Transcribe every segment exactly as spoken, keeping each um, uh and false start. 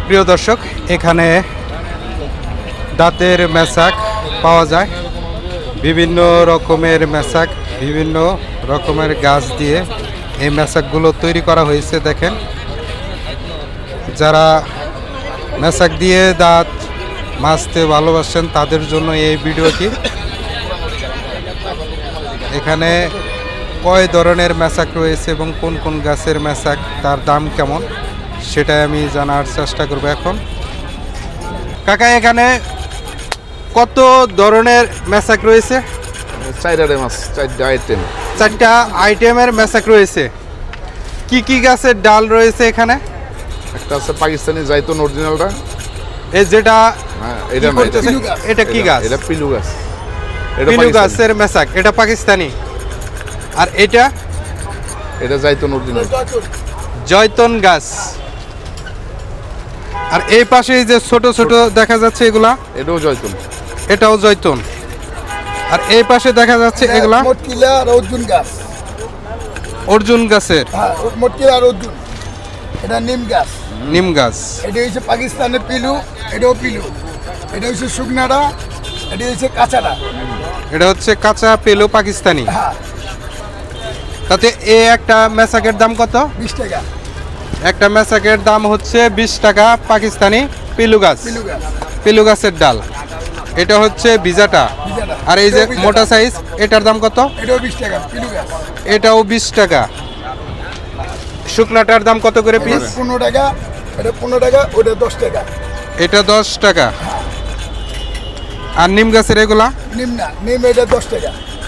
প্রিয় দর্শক, এখানে দাঁতের মেশাক পাওয়া যায়। বিভিন্ন রকমের মেশাক, বিভিন্ন রকমের গাছ দিয়ে এই মেশাকগুলো তৈরি করা হয়েছে। দেখেন, যারা মেশাক দিয়ে দাঁত মাজতে ভালোবাসেন তাদের জন্য এই ভিডিওটি। এখানে কয় ধরনের মেশাক রয়েছে এবং কোন কোন গাছের মেশাক, তার দাম কেমন, সেটাই আমি জানার চেষ্টা করব এখন। কাকা, এখানে কত ধরনের মেশাক রয়েছে? চারটা মাছ, চারটা আইটেম। চারটা আইটেমের মেশাক রয়েছে। কি কি গাছের ডাল রয়েছে এখানে? একটা আছে পাকিস্তানি জাইতুন অরিজিনালটা। এই যেটা হ্যাঁ, এটা কি করতেছে? এটা কি গাছ? এটা পিলু গাছ। এটা পিলু পাকিস্তানি। গাছের মেশাক, এটা পাকিস্তানি। আর এটা এটা জাইতুন অরিজিনাল। জয়তন গাছ। আর এই পাশে এই যে ছোট ছোট দেখা যাচ্ছে এগুলা, এটাও জয়তুন। এটাও জয়তুন। আর এই পাশে দেখা যাচ্ছে এগুলা মটকিলা আর অর্জুন গাছ। অর্জুন গাছের। হ্যাঁ, মটকিলা আর অর্জুন। এটা নিম গাছ। নিম গাছ। এটা হচ্ছে পাকিস্তানের পিলু, এটাও পিলু। এটা হচ্ছে শুকনাটা, এটা হচ্ছে কাঁচাটা। এটা হচ্ছে কাঁচা পেলো পাকিস্তানি। হ্যাঁ, তাতে এ একটা মেশাকের দাম কত? বিশ টাকা একটা মেশাকের দাম হচ্ছে বিশ টাকা পাকিস্তানি পিলু গাছ। পিলু গাছ। পিলু গাছের ডাল। এটা হচ্ছে ভিজাটা। ভিজাটা। আর এই যে এটাও ভিজাটা। মোটা সাইজ, এটার দাম কত? এটাও বিশ টাকা পিলু গাছ। এটাও বিশ টাকা। শুকনাটার দাম কত করে পিস? পনেরো টাকা, এটা পনেরো টাকা, ওটা দশ টাকা। এটা দশ টাকা। আর নিম গাছের এগুলা নিম না, নিম এটা দশ টাকা।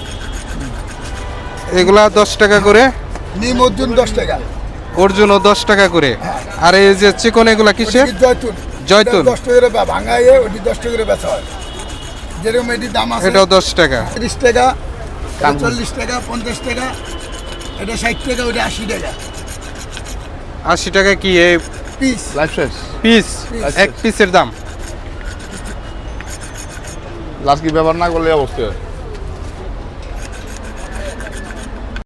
এগুলা দশ টাকা করে। নিম অর্জুন দশ টাকা। অর্জুনও দশ টাকা করে। আর এই যে চিকন এগুলা কিসের? ওটি জয়তুন। জয়তুন। এটা দশ টাকা করে বা- ভাঙাইয়ে ওটি দশ টাকা করে বেচা হয়। যেরকম এটির দাম আছে এটাও দশ টাকা। তিরিশ টাকা, এটা চল্লিশ টাকা, পঞ্চাশ টাকা, এটা ষাট টাকা, ওটা আশি টাকা আশি টাকা কি এই পিস। লাইফ শেষ। পিস? Piece. এক পিসের দাম। লাস্ট কি ব্যবহার না করলে অবস্থা হয়।